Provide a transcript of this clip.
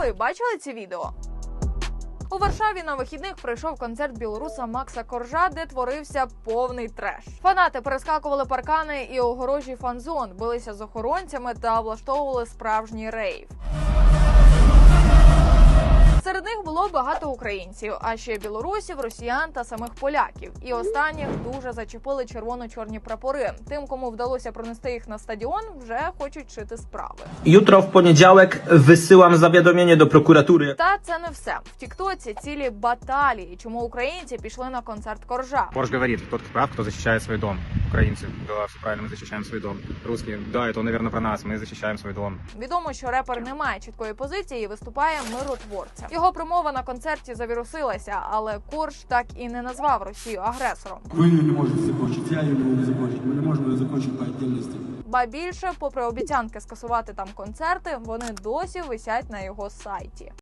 ви бачили ці відео? У Варшаві на вихідних пройшов концерт білоруса Макса Коржа, де творився повний треш. Фанати перескакували паркани і огорожі фан-зон, билися з охоронцями та влаштовували справжній рейв. Серед них було багато українців, а ще білорусів, росіян та самих поляків. І останніх дуже зачепили червоно-чорні прапори. Тим, кому вдалося пронести їх на стадіон, вже хочуть шити справи. Jutro w poniedziałek wysyłam zawiadomienie do prokuratury. Та це не все. В тіктоці цілі баталії, чому українці пішли на концерт Коржа. Корж говорит, тот прав, кто защищает свой дом. Украинцы, да, все правильно, мы защищаем свой дом. Русские, да, это, наверное, про нас, мы защищаем свой дом. Відомо, що репер не має чіткої позиції і виступає миротворцем. Його промова на концерті завірусилася, але Корж так і не назвав Росію агресором. Ви її не можете закончити, я її не можу закончити. Ми не можемо її закончити по віддільності. Ба більше, попри обіцянки скасувати там концерти, вони досі висять на його сайті.